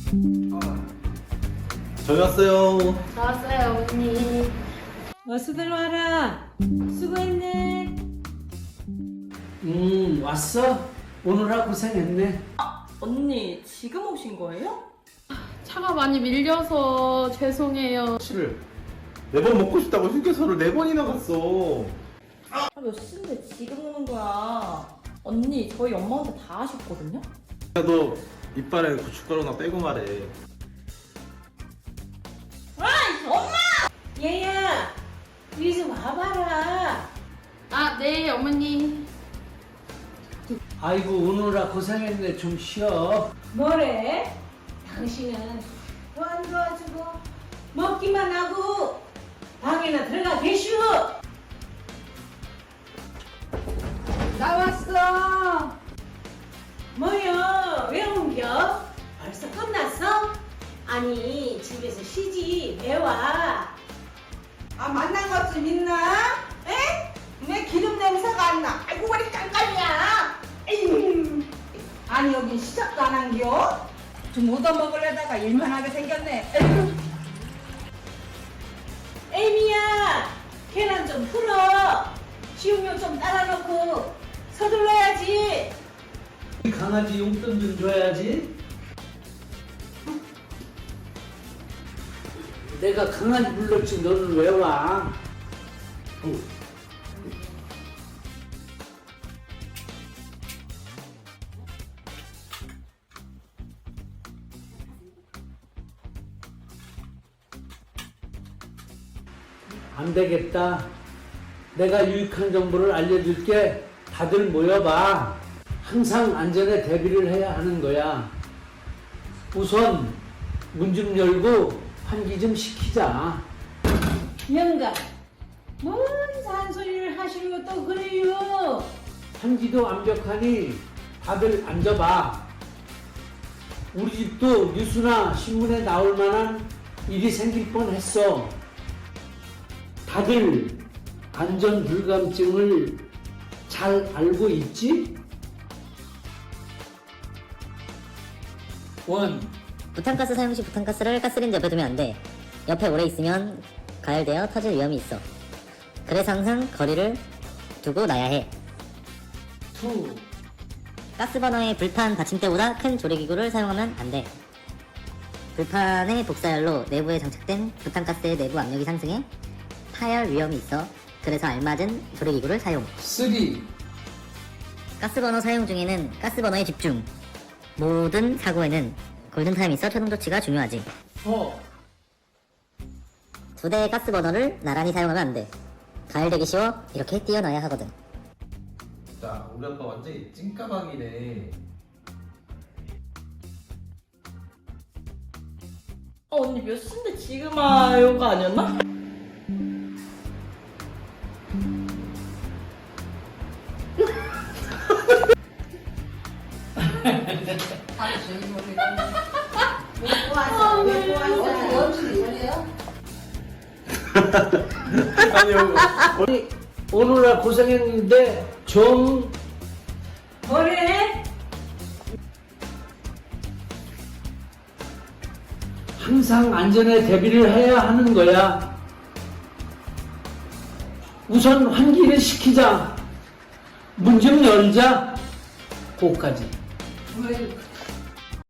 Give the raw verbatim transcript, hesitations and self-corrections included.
저희 왔어요. 좋았어요, 언니. 어서들 와라. 수고했네. 음, 왔어? 오느라 고생했네. 언니, 지금 오신 거예요? 차가 많이 밀려서 죄송해요. 치를 네 번 먹고 싶다고 휴게소를 네 번이나 갔어. 아, 몇 시인데 지금 오는 거야? 언니, 저희 엄마한테 다 하셨거든요? 야, 너 이빨에 고춧가루나 빼고 말해. 얘야, 이리 좀 와봐라. 아, 네, 어머니. 아이고, 오느라 고생했네. 좀 쉬어. 뭐래? 당신은 도안 도와주고 먹기만 하고 방에나 들어가 계시오. 나왔어. 뭐여? 왜 옮겨? 벌써 끝났어? 아니 집에서 쉬지 왜 와? 아 만난 것 좀 있나? 에? 왜 기름 냄새가 안 나? 아이고 머리 깜깜이야. 에휴. 아니 여긴 시작도 안 한겨? 좀 얻어먹으려다가 일만 하게 생겼네. 에휴. 에이미야, 계란 좀 풀어. 식용유 좀 따라놓고 서둘러야지. 강아지 용돈 좀 줘야지. 내가 강아지 불렀지 너는 왜 와? 어. 안 되겠다. 내가 유익한 정보를 알려줄게. 다들 모여봐. 항상 안전에 대비를 해야 하는 거야. 우선 문 좀 열고 환기 좀 시키자. 영감, 뭔 잔소리를 하시는 것도 그래요. 환기도 완벽하니 다들 앉아봐. 우리 집도 뉴스나 신문에 나올 만한 일이 생길 뻔했어. 다들 안전 불감증을 잘 알고 있지? 원. 부탄가스 사용 시 부탄가스를 가스레인지 옆에 두면 안 돼. 옆에 오래 있으면 가열되어 터질 위험이 있어. 그래서 항상 거리를 두고 놔야 해. 투. 가스버너의 불판 받침대보다 큰 조리기구를 사용하면 안 돼. 불판의 복사열로 내부에 장착된 부탄가스의 내부 압력이 상승해 파열 위험이 있어. 그래서 알맞은 조리기구를 사용. 쓰리. 가스버너 사용 중에는 가스버너에 집중. 모든 사고에는 골든타임이 있어 초동 조치가 중요하지. 포. 두 대의 가스버너를 나란히 사용하면 안 돼. 가열되기 쉬워 이렇게 띄어놔야 하거든. 자, 우리 아빠 완전히 찐까방이네. 어, 언니 몇 시인데 지금 와요가 아니었나? 아니, 여기 오느라 고생했는데 좀 뭐래? 항상 안전에 대비를 해야 하는 거야. 우선 환기를 시키자. 문 좀 열자. 고까지. 왜